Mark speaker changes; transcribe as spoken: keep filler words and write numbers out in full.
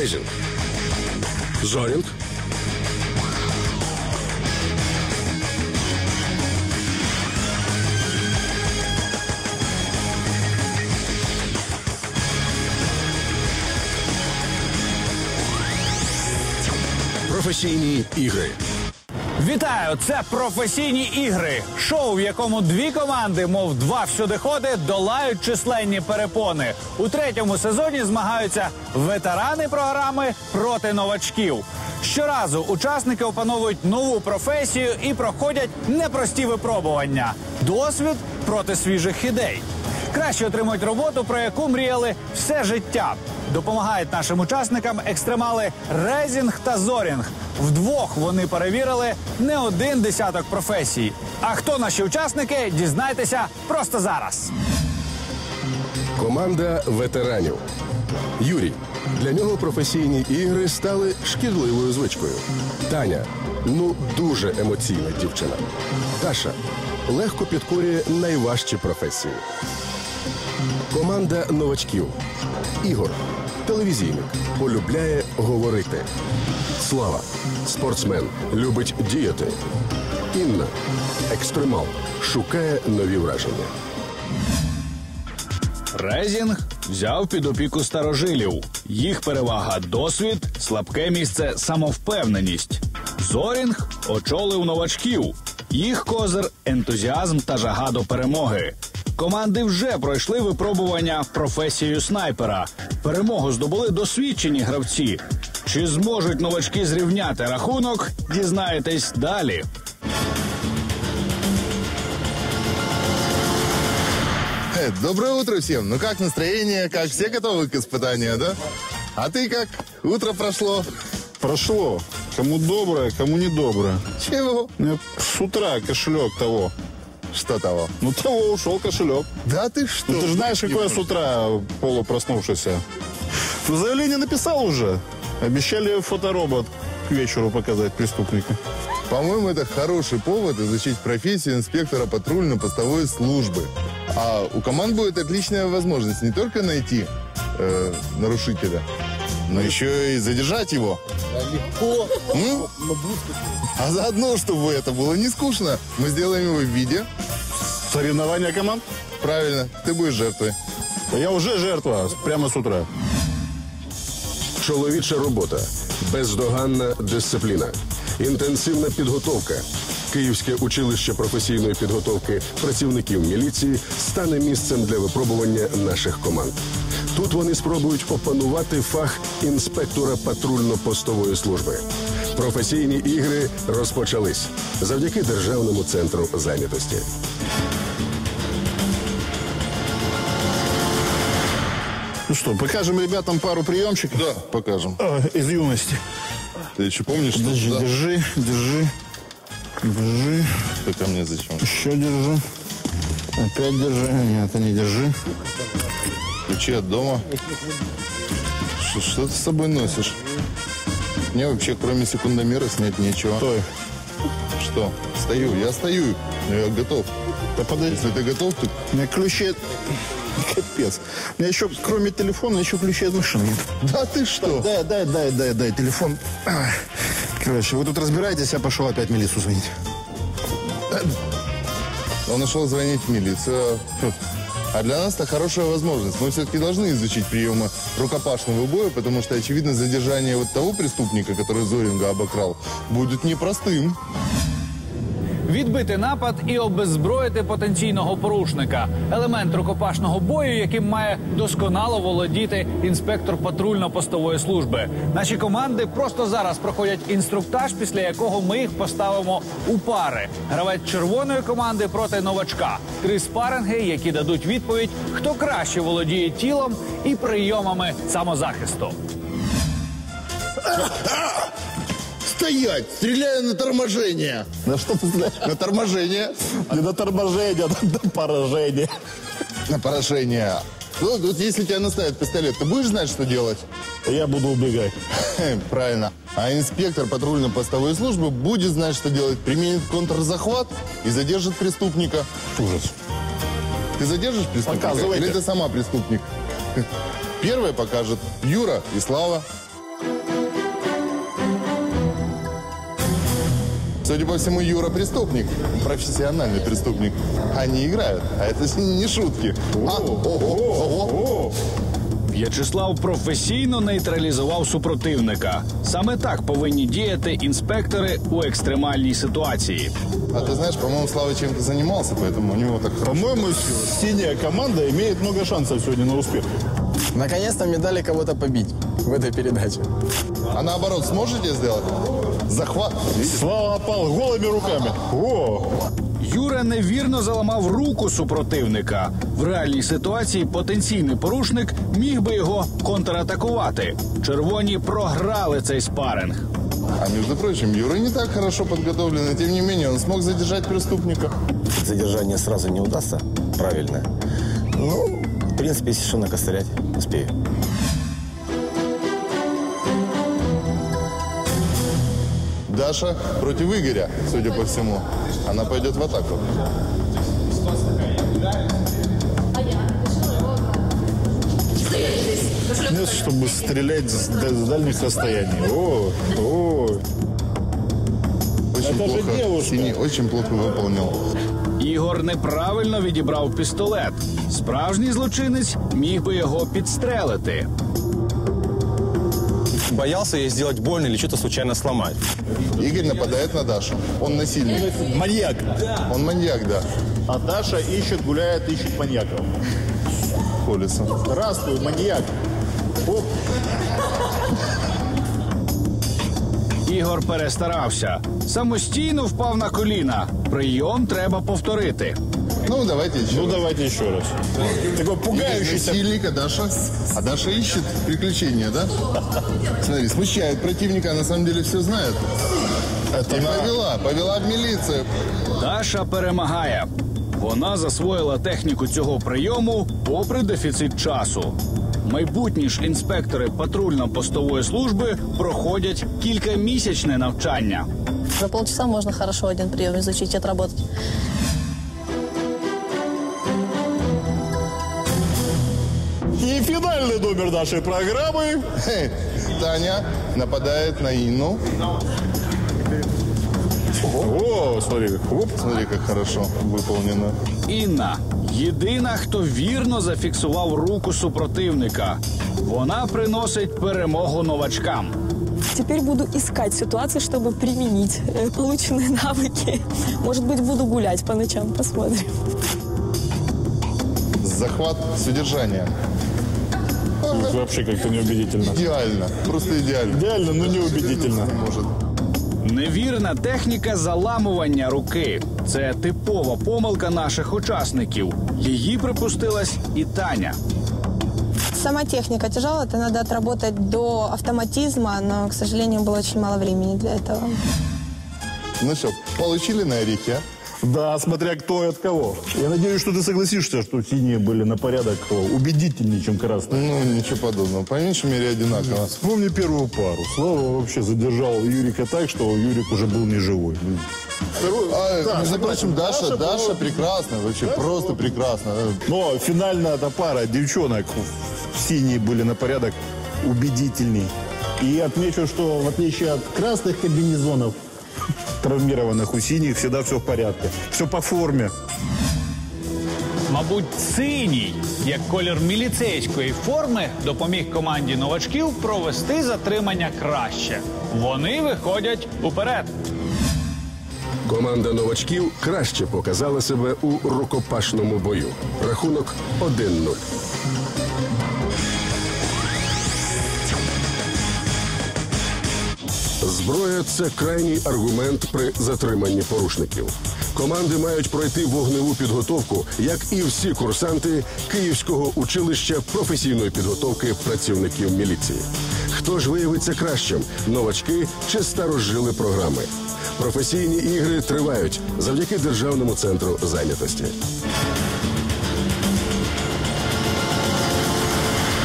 Speaker 1: Резінг. Зорінг. Професійні ігри.
Speaker 2: Вітаю! Це «Професійні ігри» – шоу, в якому дві команди, мов два всюдиходи, долають численні перепони. У третьому сезоні змагаються ветерани програми проти новачків. Щоразу учасники опановують нову професію і проходять непрості випробування. Досвід проти свіжих ідей. Краще отримують роботу, про яку мріяли все життя. Допомагають нашим учасникам екстремали Резінг та Зорінг. Вдвох вони перевірили не один десяток професій. А хто наші учасники, дізнайтеся просто зараз.
Speaker 1: Команда ветеранів. Юрій. Для нього професійні ігри стали шкідливою звичкою. Таня. Ну, дуже емоційна дівчина. Таша. Легко підкорює найважчі професії. Команда новачків. Ігор. Телевізійник. Полюбляє говорити. Слава. Спортсмен. Любить діяти. Інна. Екстремал. Шукає нові враження.
Speaker 2: Резінг взяв під опіку старожилів. Їх перевага – досвід, слабке місце – самовпевненість. Зорінг очолив новачків. Їх козир – ентузіазм та жага до перемоги. Команди вже пройшли випробування професією снайпера. Перемогу здобули досвідчені гравці. Чи зможуть новачки зрівняти рахунок, дізнаєтесь далі.
Speaker 3: Доброе утро всем. Ну как настроение? Как все готовы к испытанию, да? А ты как? Утро прошло?
Speaker 4: Прошло. Кому доброе, кому недоброе.
Speaker 3: Чего?
Speaker 4: Ну, с утра кошелек того.
Speaker 3: Что того?
Speaker 4: Ну, того ушел кошелек.
Speaker 3: Да ты что?
Speaker 4: Ну, ты же знаешь,
Speaker 3: Не
Speaker 4: какой я с
Speaker 3: прошло.
Speaker 4: утра полупроснувшийся. Ну, заявление написал уже. Обещали фоторобот к вечеру показать преступника.
Speaker 3: По-моему, это хороший повод изучить профессию инспектора патрульно-постовой службы. А у команд будет отличная возможность не только найти э, нарушителя, но еще и задержать его.
Speaker 5: Легко.
Speaker 3: Ну, а заодно, чтобы это было не скучно, мы сделаем его в виде.
Speaker 4: Соревнования команд?
Speaker 3: Правильно, ты будешь жертвой.
Speaker 4: Да я уже жертва, прямо с утра.
Speaker 1: Чоловіча робота. Бездоганна дисципліна. Інтенсивна підготовка. Київське училище професійної підготовки працівників міліції стане місцем для випробування наших команд. Тут вони спробують опанувати фах інспектора патрульно-постової служби. Професійні ігри розпочались завдяки Державному центру зайнятості.
Speaker 4: Ну что, покажем ребятам пару приемчиков?
Speaker 3: Да, покажем.
Speaker 4: А, из юности.
Speaker 3: Ты еще помнишь, что...
Speaker 4: Держи,
Speaker 3: Да.
Speaker 4: держи, держи. Держи.
Speaker 3: Ты ко мне зачем?
Speaker 4: Еще держи. Опять держи. Нет, ты не держи.
Speaker 3: Ключи от дома. Что, что ты с собой носишь? Мне вообще, кроме секундомера, снять нечего.
Speaker 4: Стой.
Speaker 3: Что? Стою. Я стою. Но я готов.
Speaker 4: Да подожди.
Speaker 3: Если ты готов, то...
Speaker 4: У меня ключи... Капец. У меня еще, кроме телефона, еще ключи от машины нет.
Speaker 3: Да ты что?
Speaker 4: Дай, дай, дай, дай, дай телефон. Ай. Короче, вы тут разбираетесь, я пошел опять в милицию звонить.
Speaker 3: Он нашел звонить в милицию. А для нас это хорошая возможность. Мы все-таки должны изучить приемы рукопашного боя, потому что, очевидно, задержание вот того преступника, который Зоринга обокрал, будет непростым.
Speaker 2: Відбити напад і обеззброїти потенційного порушника – елемент рукопашного бою, яким має досконало володіти інспектор патрульно-постової служби. Наші команди просто зараз проходять інструктаж, після якого ми їх поставимо у пари. Гравець червоної команди проти новачка. Три спаринги, які дадуть відповідь, хто краще володіє тілом і прийомами самозахисту.
Speaker 5: Стоять! Стреляю на торможение!
Speaker 4: На что ты знаешь?
Speaker 3: На торможение.
Speaker 4: Не на торможение, а на поражение.
Speaker 3: На поражение. Ну, вот если тебя наставят пистолет, ты будешь знать, что делать?
Speaker 4: Я буду убегать.
Speaker 3: Правильно. А инспектор патрульно-постовой службы будет знать, что делать. Применит контрзахват и задержит преступника.
Speaker 4: Ужас.
Speaker 3: Ты задержишь преступника?
Speaker 4: Показывайте.
Speaker 3: Или ты сама преступник? Первое покажет Юра и Слава. Судя по всему, Юра преступник, профессиональный преступник. Они играют, а это не шутки. А, ого, ого.
Speaker 2: В'ячеслав професійно нейтралізував супротивника. Саме так повинні діяти інспектори у екстремальній ситуації.
Speaker 3: А ты знаешь, по-моему, Слава чем-то занимался, поэтому у него так хорошо.
Speaker 4: По-моему, синяя команда имеет много шансов сегодня на успех.
Speaker 6: Наконец-то мне дали кого-то побить в этой передаче.
Speaker 3: А наоборот, сможете сделать? Захват. Видите?
Speaker 4: Слава опал голыми руками. О!
Speaker 2: Юра невірно заламав руку супротивника. В реальній ситуації потенційний порушник міг би його контратакувати. Червоні програли цей спаринг.
Speaker 3: А между прочим, Юра не так хорошо подготовлен, и тем не менее он смог задержать преступника.
Speaker 6: Задержание сразу не удастся, правильно. Ну, в принципе, если что, накострять успею.
Speaker 3: Даша против Игоря, судя по всему. Она пойдет в атаку.
Speaker 4: Нет, чтобы стрелять с, да- с дальних расстояний. О, о.
Speaker 3: Очень
Speaker 4: Это же
Speaker 3: плохо.
Speaker 4: девушка.
Speaker 3: Синий очень плохо выполнил.
Speaker 2: Ігор неправильно відібрав пістолет. Справжній злочинець міг би його підстрелити.
Speaker 6: Боялся ей сделать больно или что-то случайно сломать.
Speaker 3: Игорь нападает на Дашу. Он насильник.
Speaker 4: Маньяк.
Speaker 3: Он маньяк, да.
Speaker 4: А Даша ищет, гуляет, ищет маньяков.
Speaker 3: Колесом.
Speaker 4: Здравствуй, маньяк. Оп.
Speaker 2: Ігор перестарався. Самостійно впав на коліна. Прийом треба повторити.
Speaker 3: Ну, давайте еще.
Speaker 4: Ну,
Speaker 3: раз.
Speaker 4: давайте еще раз. Такой
Speaker 3: Игорь
Speaker 4: пугающийся.
Speaker 3: насильник, а Даша? А Даша ищет приключения, да? Смотри, смущает противника, а на самом деле все знает.
Speaker 4: Это
Speaker 3: И
Speaker 4: на-
Speaker 3: повела, повела в милицию.
Speaker 2: Даша перемагає. Вона засвоїла техніку цього прийому попри дефіцит часу. Майбутні ж інспектори патрульно-постової служби проходять кількамісячне навчання.
Speaker 7: За полчаса можно хорошо один прием изучить, отработать.
Speaker 4: И финальный номер нашей программы.
Speaker 3: Хе, Таня нападает на Инну.
Speaker 4: О, смотри, оп.
Speaker 3: Смотри, как хорошо выполнено.
Speaker 2: Інна – єдина, хто вірно зафіксував руку супротивника. Вона приносить перемогу новачкам.
Speaker 8: Теперь буду искать ситуации, чтобы применить э, полученные навыки. Может быть, буду гулять по ночам, посмотрим.
Speaker 3: Захват с удержанием.
Speaker 4: Это вообще как-то неубедительно.
Speaker 3: Идеально. Просто идеально.
Speaker 4: Идеально, но неубедительно.
Speaker 3: Не может.
Speaker 2: Невірна техніка заламування руки – це типова помилка наших учасників. Її припустилась і Таня.
Speaker 7: Сама техника тяжелая, это надо отработать до автоматизма, но, к сожалению, было очень мало времени для этого.
Speaker 3: Ну что, получили на орехи, а?
Speaker 4: Да, смотря кто и от кого. Я надеюсь, что ты согласишься, что синие были на порядок убедительнее, чем красные.
Speaker 3: Ну, ничего подобного. По меньшей мере, одинаково.
Speaker 4: Вспомни первую пару. Слава вообще задержал Юрика так, что Юрик уже был не живой. Второй,
Speaker 3: А,
Speaker 4: да,
Speaker 3: между
Speaker 4: согласен.
Speaker 3: прочим, Даша, Даша,
Speaker 4: была-
Speaker 3: прекрасна. Вообще просто прекрасно.
Speaker 4: Но финальная эта пара девчонок синие были на порядок убедительней. И отмечу, что в отличие от красных комбинезонов, травмированных у синих, всегда все в порядке. Все по форме.
Speaker 2: Мабуть, синій, як колір міліцейської форми, допоміг команді новачків провести затримання краще. Вони виходять уперед.
Speaker 1: Команда новачків краще показала себе у рукопашному бою. Рахунок один нуль. Зброя – це крайній аргумент при затриманні порушників. Команди мають пройти вогневу підготовку, як і всі курсанти Київського училища професійної підготовки працівників міліції. Хто ж виявиться кращим – новачки чи старожили програми? Професійні ігри тривають завдяки Державному центру зайнятості.